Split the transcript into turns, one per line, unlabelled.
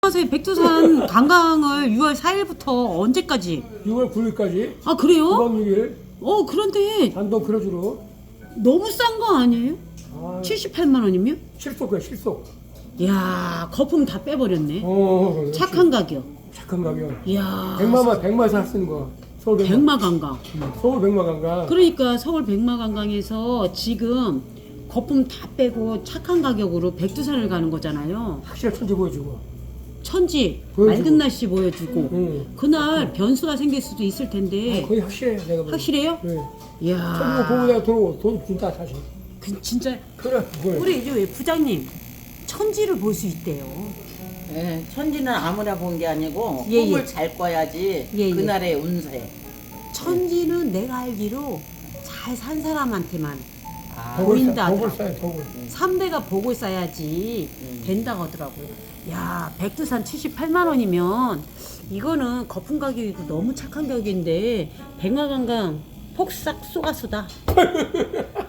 안녕하세요. 백두산 관광을 6월 4일부터 언제까지?
6월 9일까지
아 그래요?
9박 6일
그런데
단독 크루즈로
너무 싼 거 아니에요? 78만 원이면?
실속이야 실속.
이야 거품 다 빼버렸네.
그렇지.
착한 가격.
착한 가격.
이야
백마에서 할 수 있는 거야. 서울
백마관광.
서울 백마관광.
그러니까 서울 백마관광에서 지금 거품 다 빼고 착한 가격으로 백두산을 가는 거잖아요.
확실한 천지 보여주고.
천지
보여주고.
맑은 날씨 보여주고
응.
그날 변수가 생길 수도 있을 텐데
거의 확실해 내가 보기엔.
확실해요?
네.
이야
천지 보고 내가 들어오고 돈 준다 사실.
진짜
그래. 뭘.
우리 이제 왜 부장님 천지를 볼 수 있대요.
예, 천지는 아무나 본 게 아니고
예,
꿈을
예.
잘 꿔야지
예, 예.
그날의 운세.
천지는 내가 알기로 잘 산 사람한테만
아,
보인다
덕을
하더라고.
쌓여 덕을.
3대가 복을 쌓아야지 된다고 하더라고요. 야 백두산 78만 원이면 이거는 거품 가격이고 너무 착한 가격인데 백마관광 폭삭 쏘가수다.